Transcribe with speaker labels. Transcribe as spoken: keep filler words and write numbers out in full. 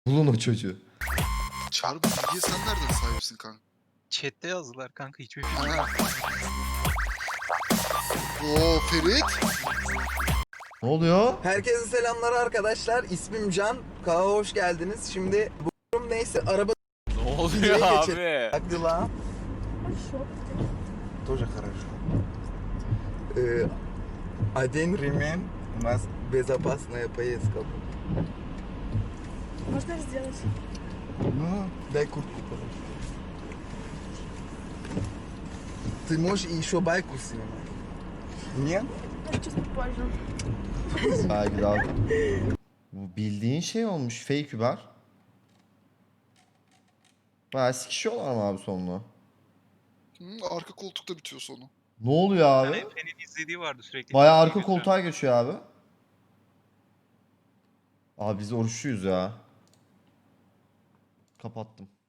Speaker 1: Bulun o çocuğu.
Speaker 2: Çağrı, bu bilgiye sen nereden sahipsin kanka?
Speaker 3: Chat'te yazdılar kanka, hiçbir fikrim
Speaker 2: Ha.
Speaker 3: yok.
Speaker 2: Oo Ferit.
Speaker 1: Ne oluyor?
Speaker 4: Herkese selamlar arkadaşlar. İsmim Can. Kaha hoş geldiniz. Şimdi bu durum neyse araba
Speaker 5: Ne oluyor
Speaker 4: videoya
Speaker 5: abi?
Speaker 4: geçelim. Как дела? Тоже хорошо. Э, Один ремень. У нас безопасная поездка.
Speaker 6: Можно сделать?
Speaker 4: Ну, дай куртку, пожалуйста. Ты можешь еще байку снимать? Нет?
Speaker 6: Чуть позже.
Speaker 1: Belki daha... Bu bildiğin şey olmuş. Fake Uber. Bayağı sikişiyorlar mı abi sonunu?
Speaker 2: Hı, arka koltukta bitiyor sonu.
Speaker 1: Ne oluyor
Speaker 3: Yani
Speaker 1: abi?
Speaker 3: Efe'nin izlediği vardı sürekli.
Speaker 1: Bayağı
Speaker 3: Çekmeyi
Speaker 1: arka
Speaker 3: götüren.
Speaker 1: koltuğa geçiyor abi. Abi biz oruçluyuz ya. Kapattım.